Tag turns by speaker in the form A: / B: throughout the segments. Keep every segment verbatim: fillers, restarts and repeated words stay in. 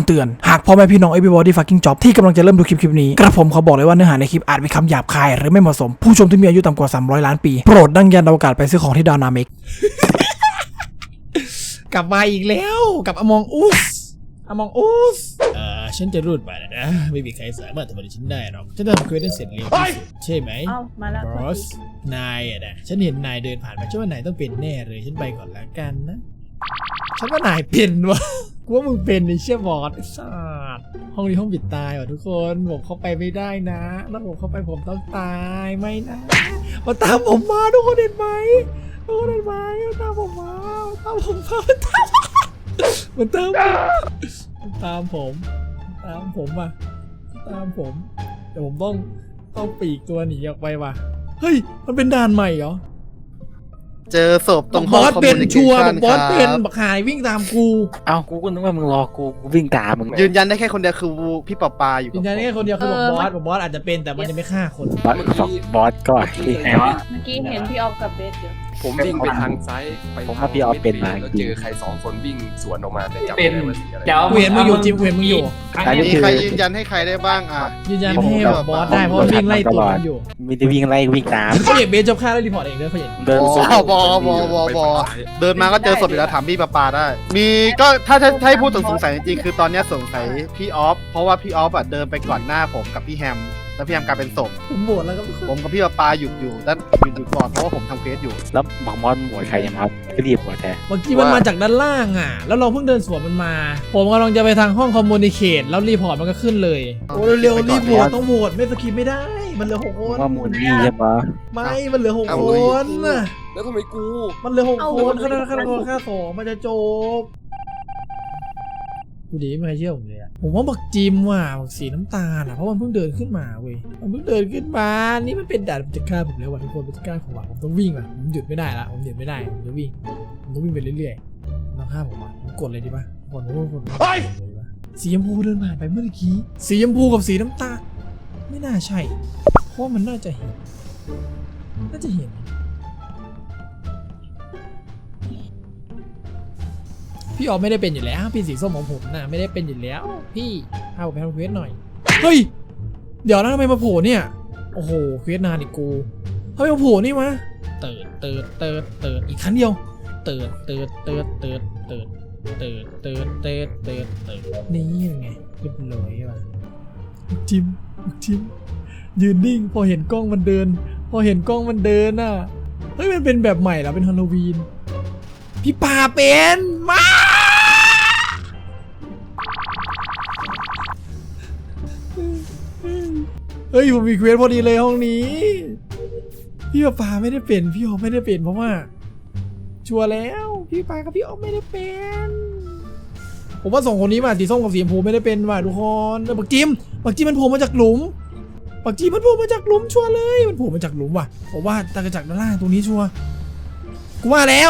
A: ำเตือนหากพ่อแม่พี่น้อง everybody fucking job ที่กำลังจะเริ่มดูคลิปคลิปนี้กระผมขอบอกเลยว่าเนื้อหาในคลิปอาจมีคำหยาบคายหรือไม่เหมาะสมผู้ชมที่มีอายุต่ำกว่าสามร้อยล้านปีโปรดดังยันอวกาศไปซื้อของที่ดาวนาเมก กลับมาอีกแล้วกับอมองอุสอมองอุสเอ่อฉันจะรูดไปแล้วนะไม่มีใครสามารถทำอะไรฉันได้หรอกฉันทำเควสได้เสร็จเร็วที่สุดใช่ไหม
B: เอ้ามาแล้ว
A: บอสนายอะนะฉันเห็นนายเดินผ่านมาฉันว่านายต้องเป็นแน่เลยฉันไปก่อนละกันนะฉันว่านายเป็นวะกูว่ามึงเป็นไอ้เชี่ยบอสไอ้สัสห้องนี้ห้องปิดตายว่ะทุกคนผมเข้าไปไม่ได้นะแล้วผมเข้าไปผมต้องตายไม่นะมาตามผมมาทุกคนเห็นไหมทุกคนเห็นไหมมาตามผมมาตามผมมามันตามมันตามผมตามผมมาตามผมแต่ผมต้องต้องปีกตัวหนีออกไปว่ะเฮ้ยมันเป็นด่านใหม่เหรอ
C: เจอศพตรง
A: บอสเป็นชัวร์บอสเป็น
C: ครับ
A: บักหายวิ่งตามกู
D: เอ้ากูก็นึกว่ามึงรอกูกูวิ่งตามมึง
C: ยืนยันได้แค่คนเดียวคือพี่ปอปาอยู่
A: ยืนยันแค่คนเดียวคือบอกบอสบอกบอสอาจจะเป็นแต่มันจะไม่ฆ่าคน
D: บอสบอกบอสก็ที่ไหนวะ
B: เมื่อกี้เห็นพี่ออฟกับเบสอยู่
E: ผมวิ่งไปทางซ้ายไป
D: ผมว่าพี่ออฟเป็นมา
E: แล้วเจอใครสองคนวิ่งสวนออกมาแต่จำ
F: เป็
E: ไม่
F: น
E: ได้ว่าสีอะไร
F: เดี๋ยว
A: เวียนมึงอยู่จิมเวียนมึงอยู่
C: มีใครยืนยันให้ใครได้บ้างอ่ะ
A: ยืนยันให้แบบบอสได้เพราะมันวิ่งไล่ตัวมันอยู่
D: มีแต่วิ่งไล่วิ่งตาม
A: เขาเห็นเบสจบฆ่าแล้วรีพอร์ตเองด้วยเขาเห็น
D: เดิน
C: บ
D: สู้
C: อบอบอบอบอเดินมาก็เจอศพอยู่แล้วถามพี่ปอปาได้ มีก็ถ้าถ้าถ้าให้พูดถึงสงสัยจริงๆคือตอนนี้สงสัยพี่ออฟเพราะว่าพี่ออฟอ่ะเดินไปก่อนหน้าผมกับพี่แฮมแล้วพี่แฮมกลายเป็นศพ
A: ผมโหวตแล้วก็
C: ผมกับพี่ปอปาหยุดอยู่ด้านหยุดอยู่ก่อนเพราะว่าผมทำเควสอยู่
D: แล้วบอกมอสหมวยใครยังครับก็รีบหัวแท้
A: เมื่อกี้มันมาจากด้านล่างอ่ะแล้วเราเพิ่งเดินสวนมันมา ผมกำลังจะไปทางห้องคอมมูนิเคตแล้วรีพอร์ตมันก็ขึ้นเลยโอ้เร็วๆรีบโหวตต้องโหวตไม่สกิปไม่ได้มันเหลือหกคน
D: ว่ามูลนี่ใช่ปะ
A: ไม่มันเหลือหกคนน่ะ
E: แล้วทำไมกู
A: มันเหลือหกคนค่าค่าค่าสองมันจะจบกูดีไม่เคยเชื่อผมเลยอะผมว่าบักจิมว่ะบักสีน้ำตาลอะเพราะมันเพิ่งเดินขึ้นมาเว้ยมันเพิ่งเดินขึ้นมานี่มันเป็นด่านมันจะฆ่าผมแล้วว่ะทุกคนมันจะฆ่าผมว่ะผมต้องวิ่งว่ะผมหยุดไม่ได้ละผมหยุดไม่ได้ผมจะวิ่งผมต้องวิ่งไปเรื่อยๆต้องฆ่าผมว่ะผมกดเลยดีป่ะกดผมกดเลยดีป่ะสีชมพูเดินผ่านไปเมื่อกี้สีชมพูกับสีน้ำตาลไม่น่าใช่เพราะมันน่าจะเห็นน่าจะเห็นพี่ออฟไม่ได้เป็นอยู่แล้วพี่สีส้มของผมนะไม่ได้เป็นอยู่แล้วพี่พาผมไปทำเควสหน่อยเฮ้ยเดี๋ยวนะทำไมมาโผล่เนี่ยโอ้โหเควสนานอีกกูทำไมมาโผล่นี่วะเติร์ดเติร์ดเติร์ดเติร์ดอีกครั้งเดียวเติร์ดเติร์ดเติร์ดเติร์ดเติร์ดเติร์ดเติร์ดเติร์ดเติร์ดเติร์ดนี่ยังไงเรียบร้อยว่ะจิมจิมยืนนิ่งพอเห็นกล้องมันเดิน พอเห็นกล้องมันเดินน่ะเฮ้ยมันเป็นแบบใหม่แล้วเป็นฮาโลวีนพี่ป่าเป็นมาเฮ้ยผมมีเควสพอดีเลยห้องนี้พี่ป่าไม่ได้เป็นพี่ออฟไม่ได้เป็นเพราะว่าชัวร์แล้วพี่ป่ากับพี่ออฟไม่ได้เป็นผมว่าสองคนนี้มาสีส้มกับสีชมพูไม่ได้เป็นว่ะทุกคนบักจิมบักจิมมันโผล่มาจากหลุมบักจิมมันโผล่มาจากหลุมชัวร์เลยมันโผล่มาจากหลุมว่ะผมว่าตากระจากด้านล่างตรงนี้ชัวร์กูว่าแล้ว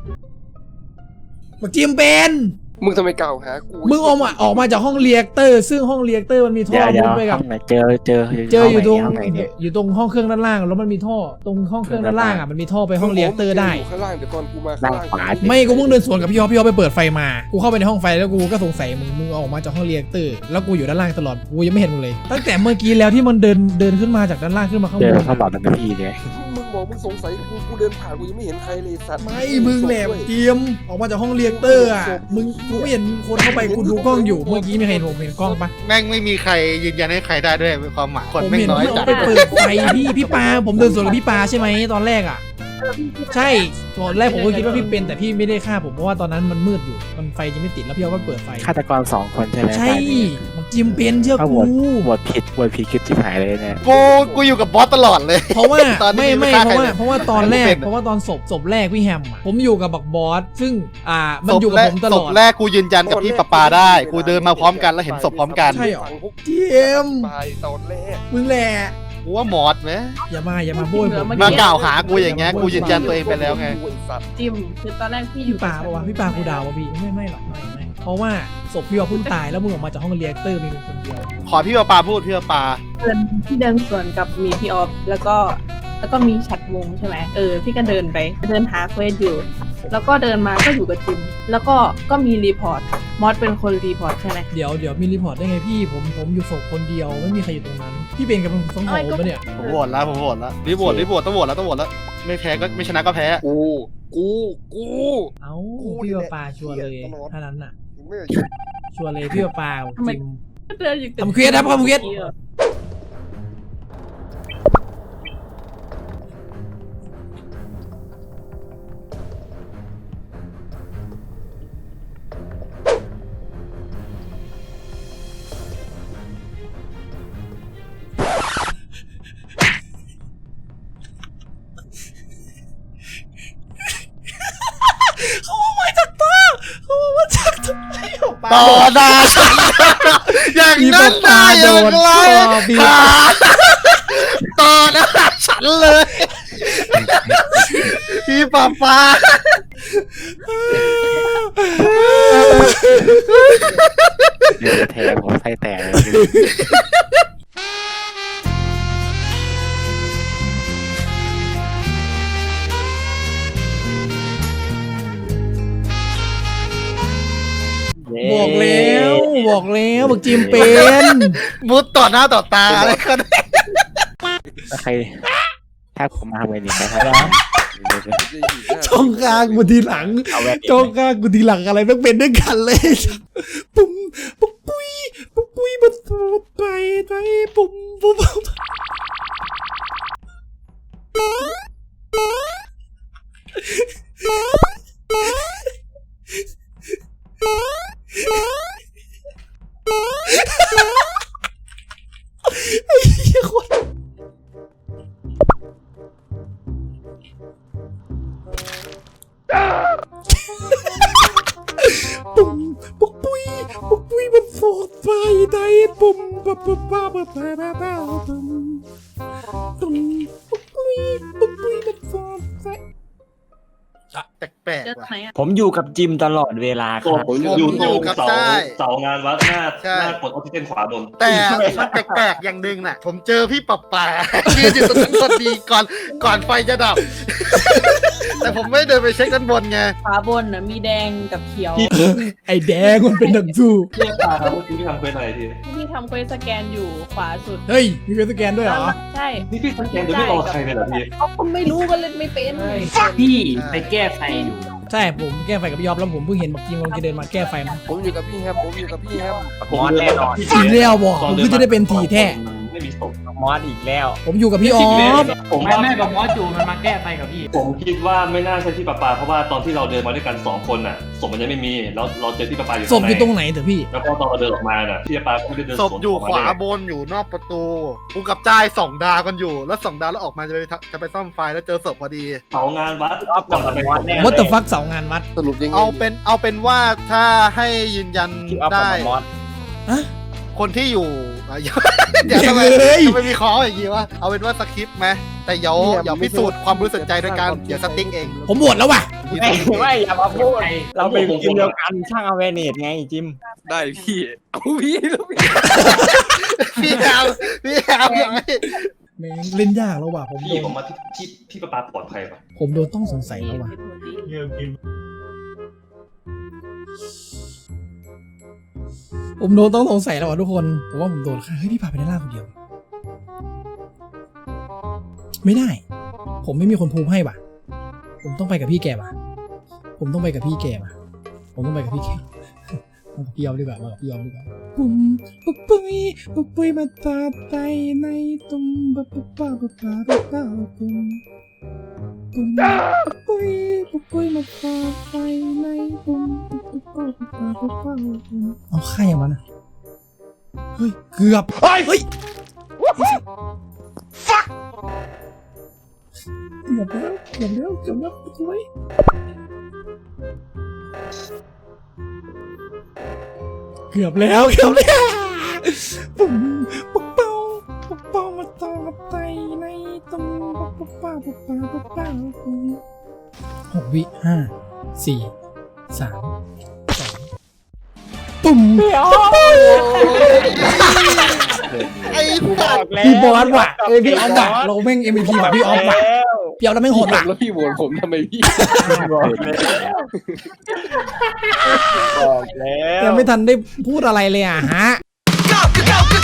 A: บักจิมเป็น
E: มึงทำไมกล่าวหากู
A: มึงออกมาออกมาจากห้องเรียกเตอร์ซึ่งห้องเรียกเตอร์มันมีท่อ
D: เดี๋ยวเดี๋ยว
A: มุดไปกับ
D: ห้องไหนเจอเจอ
A: เจออยู่ตรง
D: ห้องไหนเนี่ย
A: อยู่ตรงห้องเครื่องด้านล่างแล้วมันมีท่อตรงห้องเครื่องด้านล่างอ่ะมันมีท่อไปห้องเรียกเตอร์ได้
E: ยู่ข้างล่างเดี๋ยวตอนกูมาข้า
D: ด้าง น
E: ล่าง
D: ขวา
A: ไม่กูเพิ่งเดินสวนกับพี่ออฟพี่ออฟไปเปิดไฟมากูเข้าไปในห้องไฟแล้วกูก็สงสัยมึงมึงออกมาจากห้องเรียกเตอร์แล้วกูอยู่ด้านล่างตลอดกูยังไม่เห็นมึงเลยตั้งแต่เมื่อกี้แล้วที่มันเดินเดินขึ้นมาจากด้านล่างขึ้นมาข้าง
D: เจ
A: บ
D: อน ตลอดทั้งทีเนี่ย
E: มึงบอกมึงสงสัยกูกูเดินผ่านกูยังไม่เห็นใครเลยสัตว์
A: ไม่มึงแหลมเตรียมออกมาจากห้องเรียกเตอร์อ่ะมึงกูไม่เห็นคนเข้าไปกูดูกล้องอยู่เมื่อกี้มีใครเห็นผมเห็นกล้องปะ
C: แม่งไม่มีใครยืนยันให้ใครได้ด้วยความหมายคน
A: ผม
C: แม่ง
A: เห็น
C: น้อย
A: พี่อ
C: จั
A: อ
C: ด
A: ฟไปเปิดไฟพี่พี่ปาผมเดินสวนกับพี่ปาใช่ไหมตอนแรกอ่ะใช่ตอนแรกผมก็คิดว่าพี่เป็นแต่พี่ไม่ได้ฆ่าผมเพราะว่าตอนนั้นมันมืดอยู่มันไฟยังไม่ติดแล้วพี่ออฟก็เปิดไฟ
D: ฆาตกรสองคนใช่ไหม
A: ใช่บอกจิมเป็นเชื่อ
D: ถ้าโหว
A: กู
D: ตโหวตผิดโหวตผิดคิดที่หายเลยเนี่ย
C: กูกูอยู่กับบอสตลอดเลย
A: เพราะว่า
C: ตอนนี้
A: ไม่ไม่
C: ไม่
A: เพ
C: ฆ่า
A: ราะว่า
C: ใครเลย
A: เพราะว่าตอนแรก
C: ไม่เป็น
A: เพราะว่าตอนศพศพแรกพี่แฮมอะผมอยู่กับบักบอสซึ่งอ่ามัน
C: ศพ
A: อยู่กับ
C: แรก
A: ผมต
C: ศ
A: ล
C: พ
A: อด
C: แรกกูยืนยันกับพี่ปอปาได้ กูเดินมาพร้อมกันแล้วเห็นศพพร้อมกัน
A: ใช่เหรอ
E: ฝั่งพวก
A: จิม
E: ไปตอนแรก
A: มึงแหละ
C: กูว่ามอสไหม
A: อย่ามาอย่ามาโบยผม
C: มากล่าวหากูอย่างเงี้ยกูยืนยันตัวเองไปแล้วไง
E: กูอ้สัตว์
B: จิมคือตอนแรกพี่อ
A: พี่
B: ยู่
A: ปาปะวะพี่ปากูดาวปะพี่ไม่ไม่หรอกไม่ไม่เพราะว่าศพพี่ออฟเพิ่งตายแล้วมึงออกมาจากห้องเรียกเตอร์มีคนเดียว
C: ขอพี่ปอปาพูดพี่ปอปา
B: เดินพี่เดินสวนกับมีพี่ออฟแล้วก็แล้วก็มีฉัดวงใช่ไหมเออพี่ก็เดินไปเดินหาเควสอยู่แล้วก็เดินมาก็อยู่กับจิมแล้วก็ก็มีรีพอร์ตมอสเป็นคนรีพอร์ตใช่ไหม
A: เดี๋ยวเดี๋ยวมีรีพอร์ตได้ไงพี่ผมผมอยู่ศพคนเดียวไม่มีใครอยู่ตรงนั้นพี่เป็นกับผมสองโหปะเนี่ย
C: ผมโหวตแล้วผมโหวตแล้วรีโหวตรีโหวตต้องโหวตแล้วต้องโหวตแล้วไม่แพ้ก็ไม่ชนะก็แพ้
E: กูกูกู
A: เอ้า
E: กู
A: พี่
E: นี่
A: ปา
E: แหละ
A: ปาชัวร์เลย
E: เหี้ยตลอด
A: เท่านั้นน่ะ
E: ไม่
A: ชัวร์เลยพี่ปาปาจิม
B: เดินอยู่แต่
A: ทำเควสครับทำเควส เขาเอามาจากตาเขาเอามาจากตาพี่ปา
C: ต่อหน้าฉันอย่างนั้นได้อย่างไรค่ะต่อหน้าฉันเลยพี่ป้าป้า
D: เดี๋ยวแทงผมไส้แตกเลย
A: บอกแล้วบอกแล้วบอกจิมเป็น
C: มุดต่อหน้าต่อตาอะไรก็ได้
D: ถ้าใครถ้าผมมาทำไงนี่ครับ
A: จ้องกลางกูทีหลัง
D: เอาแว่น
A: จ้องกลางกูทีหลังอะไรไม่เป็นด้วยกันเลยปุ่มปุ๊บปุ้ยปุ๊บปุ้ยมันสูดไปไปปุ่มปุ๊บปุ๊บไอ้เหี้ยคนปุ่มปุ๊บปุ้ยปุ๊บปุ้ยมันสูดไปได้ปุ่มปั๊บปั๊บปั๊บปั๊บปั๊บปั๊บปุ่มปุ่มปุ๊บปุ้ยปุ๊บปุ้ยมันสูดไป
C: แปลก
B: เดิน
C: ๆว่ะ
B: ไหนอะ
F: ผมอยู่กับจิมตลอดเวลาค
G: ตัว
F: รับ
G: ผมอยู่ตรง
C: กับ
G: เสา
C: ใช่
G: เสางานวัดหน้า
C: ใช่
G: หน้ากดออกซิเจนขวาบน
C: แต่มันแปลกๆอย่างหนึ่งน่ะ ผมเจอพี่ป้าป้ายืนอยู่ตรงนั้นพอดีก่อนก่อนไฟจะดับ แต่ผมไม่เดินไปเช็คด้านบนไง
B: ขวาบนน่ะมีแดงกับเขียว
A: ไอ้แดงมันเป็นดังสู้
G: เรียกตาครับเมื่อกี้ที่ทำเป็นอะไรที
B: ที่ทำเควสสแกนอยู่ขวาสุด
A: เฮ้ยมีเป็นสแกนด้วยเหรอ
B: ใช่
G: นี่พี่สังเกตโดยไม่รอใครเลยเหรอพี่
B: เขาก็ไม่รู้ก็เล่นไม่เป็น
F: พี่ไปแก้ไฟอยู่
A: ใช่ผมแก้ไฟกับพี่ยอบแล้วผมเพิ่งเห็นบอกจริงกำลังจะเดินมาแก้ไฟมา
E: ผมอยู่กับพี่แฮมผมอยู่กับพี่แฮม
F: มอสแน่นอน
A: จริงแล้วบอกผมก็จะได้เป็นทีแท้
G: ไม่มีศพ
F: มอสอีกแล้ว
A: ผมอยู่กับพี่ออฟ
G: ผม
F: แม่
G: ว่า
F: แม่กับมอสจูมันมาแก้ไฟกับพี่
G: ผมคิดว่าไม่น่าใช่พี่ปาปาเพราะว่าตอนที่เราเดินมาด้วยกันสองคนน่ะศพมันยังไม่มีแล้วเราเจอพี่ปาปาอยู่
A: ศพอยู่ตรง
G: ข้างใน
A: ไหนเถอะพี่
G: แล้วพอตอนเราเดินออกมาน่ะพี่ปาปาก็ไม่ได้เดิน
C: ศ
G: ส
C: พ
G: วน
C: อยู่
G: กม
C: ขวา
G: เลย
C: บนอยู่นอกประตูกูกับจ้ายส่องดาวกันอยู่ แล้วส่องดาวแล้วออกมาจะไปทำจะไปซ่อมไฟแล้วเจอศพพอดี
G: เสางานวัด
F: รอบก่อนมอสแน่
A: วัตถุฟักเสางานวัด
E: สรุปยังไง
C: เอาเป็นเอาเป็นว่าถ้าให้ยืนยัน
F: พี่ออฟ
C: ได้
F: กับมอส
A: อะ
C: คนที่อยู่อ่ะเดี๋ยวทำไม
A: เฮ้ย
C: ทำไมมีคออย่างงี้วะเอาเป็นว่าสคริปต์ไหมแต่เดี๋ยวเดี๋ยวพิสูจน์ความบริสุทธิ์ใจโดยการเดี๋ยวสติ๊กเอง
A: ผมบวชแล้วว่ะ
F: ไม่ไม่อย่ามาพูดเราเป็นทีมเดียวกันช่างอเวเนตไงจิม
E: ได้พี่เอาพี่แล้วพี่
C: พี่แอมพี่แอมอย่างนี้
A: แม่งเล่นยากแล้วว่ะผมโด
G: พี่
A: น
G: ผมมาที่ที่พี่ปาปาปลอดภัยป่ะ
A: ผมโดนต้องสงสัยแล้วว่ะผมโดนต้องสงสัยแล้วว่ะทุกคนผมว่าผมโดนฆ่าเฮ้ยพี่พาไปด้านล่างคนเดียว ไม่ได้ ผมไม่มีคนพูดให้ว่ะ ผมต้องไปกับพี่แกว่ะ ผมต้องไปกับพี่แกว่ะ ผมต้องไปกับพี่แกมากับพี่ยอมดีกว่ามากับพี่ยอมดีกว่าปุ่มปุ๊บปุ้ยปุ๊บปุ้ยมาตาไปในตุ้มปั๊บปั๊บปั๊บปั๊บปั๊บปั๊บปุ่มปุ่มปุ๊บปุ้ยปุ๊บปุ้ยมาตาไปในตุ้มปั๊บปั๊บปั๊บปั๊บปั๊บปุ่มเอาใครอย่างมันอะเฮ้ยเกือบเฮ้ยเฮ้ยเกือบแล้วเกือบแล้วเกือบแล้วสวยเกือบแล้วเกือบแล้วปุ่มปุ๊บเป้าปุ๊บเป้ามาต่อมาไตในตรงปุ๊บเป้าปุ๊บเป้าปุ๊บเป้าปุ่มหกวิห้าสี่สามสองปุ่ม
C: ไอ้
F: กูบอกแล้ว
A: พี่บอสว่ะเอ้ยพี่ออฟว่ะเราแม่ง เอ็ม วี พี ว่ะพี่ออฟว่ะพี่ออฟแล้วแม่งโหดว่ะ
E: แล้วพี่โหวตผมทำไมพี่
F: บอกแล้วบอกแล้ว
A: ยังไม่ทันได้พูดอะไรเลยอ่ะฮะ
H: go, go, go, go.